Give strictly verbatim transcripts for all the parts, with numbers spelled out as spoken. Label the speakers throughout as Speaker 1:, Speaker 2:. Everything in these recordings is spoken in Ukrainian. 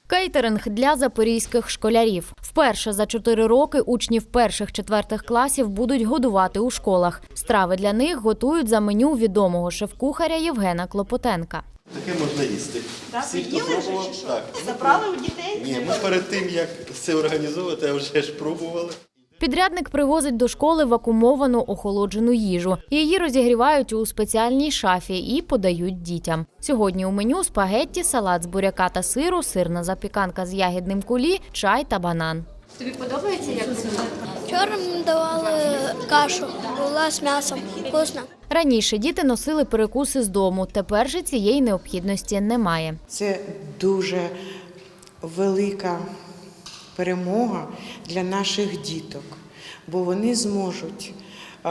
Speaker 1: Кейтеринг для запорізьких школярів. Вперше за чотири роки учнів перших-четвертих класів будуть годувати у школах. Страви для них готують за меню відомого шеф-кухаря Євгена Клопотенка.
Speaker 2: Таке можна їсти.
Speaker 3: Так,
Speaker 2: Всі, хто
Speaker 3: їли вже
Speaker 2: пробував,
Speaker 3: чи що?
Speaker 2: так.
Speaker 3: Забрали у дітей?
Speaker 2: Ні, ми перед тим, як це організовувати, вже ж пробували.
Speaker 1: Підрядник привозить до школи вакуумовану охолоджену їжу. Її розігрівають у спеціальній шафі і подають дітям. Сьогодні у меню спагетті, салат з буряка та сиру, сирна запіканка з ягідним кулі, чай та банан.
Speaker 4: Тобі подобається, як це?
Speaker 5: Вчора мені давали кашу, була з м'ясом, вкусно.
Speaker 1: Раніше діти носили перекуси з дому, тепер же цієї необхідності немає.
Speaker 6: Це дуже велика перемога для наших діток, бо вони зможуть е,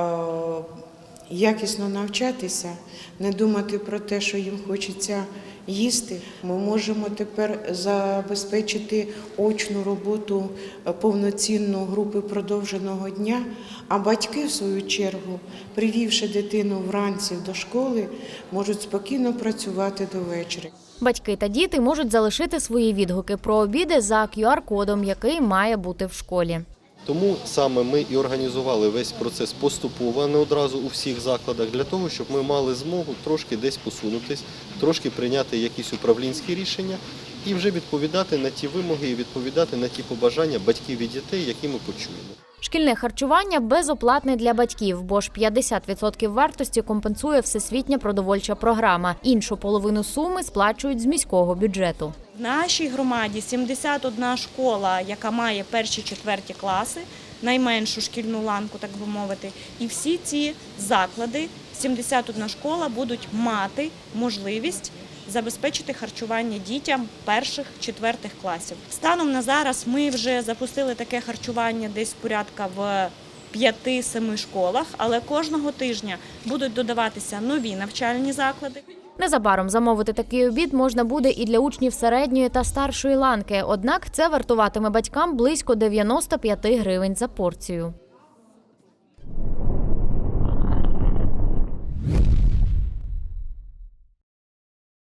Speaker 6: якісно навчатися, не думати про те, що їм хочеться їсти. Ми можемо тепер забезпечити очну роботу повноцінну групи продовженого дня, а батьки, в свою чергу, привівши дитину вранці до школи, можуть спокійно працювати до вечора.
Speaker 1: Батьки та діти можуть залишити свої відгуки про обіди за кю ар-кодом, який має бути в школі.
Speaker 2: Тому саме ми і організували весь процес поступово, а не одразу у всіх закладах, для того, щоб ми мали змогу трошки десь посунутись, трошки прийняти якісь управлінські рішення і вже відповідати на ті вимоги і відповідати на ті побажання батьків і дітей, які ми почуємо.
Speaker 1: Шкільне харчування безоплатне для батьків, бо ж п'ятдесят відсотків вартості компенсує Всесвітня продовольча програма. Іншу половину суми сплачують з міського бюджету.
Speaker 3: В нашій громаді сімдесят одна школа, яка має перші-четверті класи, найменшу шкільну ланку, так би мовити. І всі ці заклади, сімдесят одна школа, будуть мати можливість забезпечити харчування дітям перших-четвертих класів. Станом на зараз ми вже запустили таке харчування десь порядка в п'яти-семи школах, але кожного тижня будуть додаватися нові навчальні заклади.
Speaker 1: Незабаром замовити такий обід можна буде і для учнів середньої та старшої ланки, однак це вартуватиме батькам близько дев'яноста п'яти гривень за порцію.